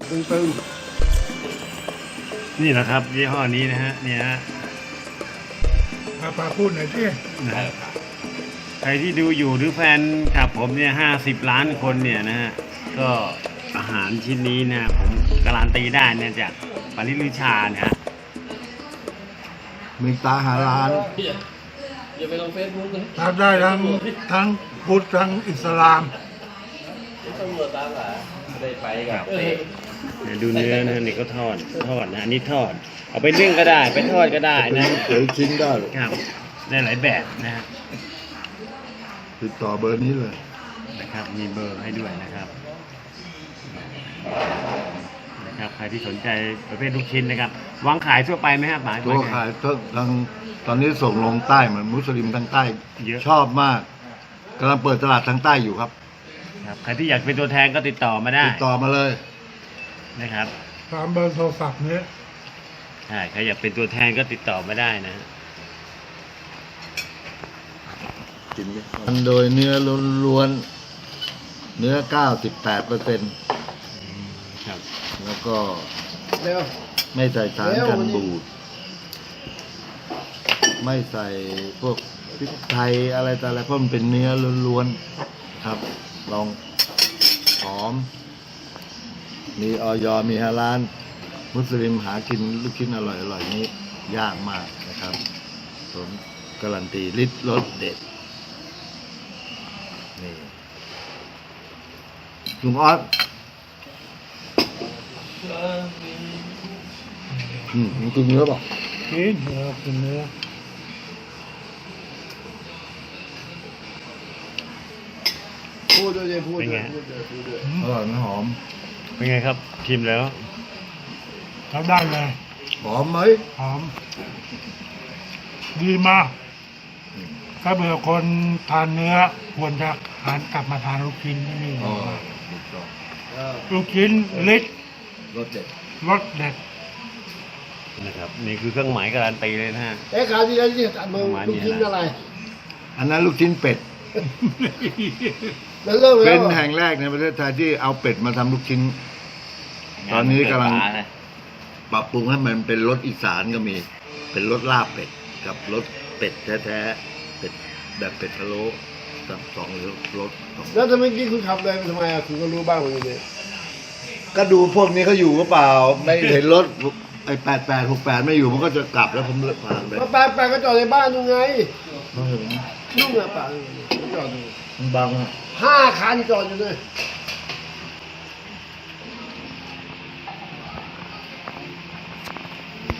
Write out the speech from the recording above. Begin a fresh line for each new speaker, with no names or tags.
ตึง
นี่แหละครับยี่ห้อนี้นะฮะเนี่ยฮะ
ปาพูดหน่อยสิ
นะฮะใครที่ดูอยู่หรือแฟนคลับผมเนี่ย50 ล้านคนเนี่ยนะฮะก็อาหารชิ้นนี้นะผมการันตีได้เนี่ยจากปริลือชาเนี่ยฮะ
มีตาหาร้าน
อย่าไปลงเฟซบุ๊กนะ
ทำได้ทั้งพุทธทั้งอิสลาม
ตำรวจตามหาไม่ได้ไปกับ
เนี่ยดูเนื้อนะนี่ก็ทอดนะอันนี้ทอด เอาไปนึ่งก็ได้ไปทอดก็ได้นะ
เดี๋ยวชิ้นได้
ครับได้หลายแบบนะฮะ
ติดต่อเบอร์นี้เลย
นะครับมีเบอร์ให้ด้วยนะครับใครที่สนใจประเภทลูกชิ้นนะครับวางขายทั่วไปไหมครับหมาย
ตัวขายทางตอนนี้ส่งลงใต้เหมือนมุสลิมทางใต้ชอบมากกำลังเปิดตลาดทางใต้อยู่ครับ
ครับใครที่อยากเป็นตัวแทนก็ติดต่อมาได้
ติดต่อมาเลย
นะครับ
ตามเบอร์โทรศัพท์นี้
ใช่ใครอยากเป็นตัวแทนก็ติดต่อมาได้นะฮะ
มันโดยเนื้อล้วนๆเนื้อ 98%
ครับ
แล้วก็
เร็ว
ไม่ใส่สารกันบูด ไม่ใส่พวกพริกไทยอะไรแต่อะไรเพราะมันเป็นเนื้อล้วนๆครับ ลองหอม มีออยมีฮาลาลมุสลิมหากินลูกชิ้นอร่อยๆนี้ยากมากนะครับผมการันตีรสเด็ดนี่ลุงออสมันกินเนื้อเปล่า
กินเนื้อกินเนื้อ
พูดด้วยพูด
เป็น
ด้ว
ไง
ยพูดด้วยพูดด้วย
อร่อยไหมหอม
เป็นไงครับชิมแล้ว
ทำได้เลย
หอมไหม
หอมดีมากถ้าเบื่อคนทานเนื้อควรจะหันกลับมาทานลูกชิ้นที่นี่
อ๋อถูกต้อง
ลูกชิ้นเล็ก
รสเด็ด
รสเด็ด
นะครับนี่คือเครื่องหมายการันตีเลยนะฮะ
คราวที่แล้วที่ตัดมือลูกชิ้นอะไร
อันนั้นลูกชิ้นเป็ด
แล้วเลิก
เป็
แล้
น
ว
แห่งแรกในประเทศไทยที่เอาเป็ดมาทำลูกชิ้น ตอนนี้กำลัง ปรับปรุงให้มันเป็นรสอีสานก็มี เป็นรสลาบเป็ดกับรสเป็ดแท้ๆ เป็ดแบบเป็ดพะโล้กับสองรสสอง
แล้วทำไมกี้คุณขับเลยทำไมอ่ะคุณก็รู้บ้างว่าอย่างนี้
ก็ดูพวกนี้เขาอยู่หรือเปล่า ไม่เห็นรถไอ้8868ไม่อยู่มันก็จะกลับแล้วผมเลิกผ่านไป
มาไปก็จอดในบ้านดูไง
ไม่เห็น
นุ่งอะป่ะจอดดู
มันบังอะ
5 คันจอดอยู่เลย
อ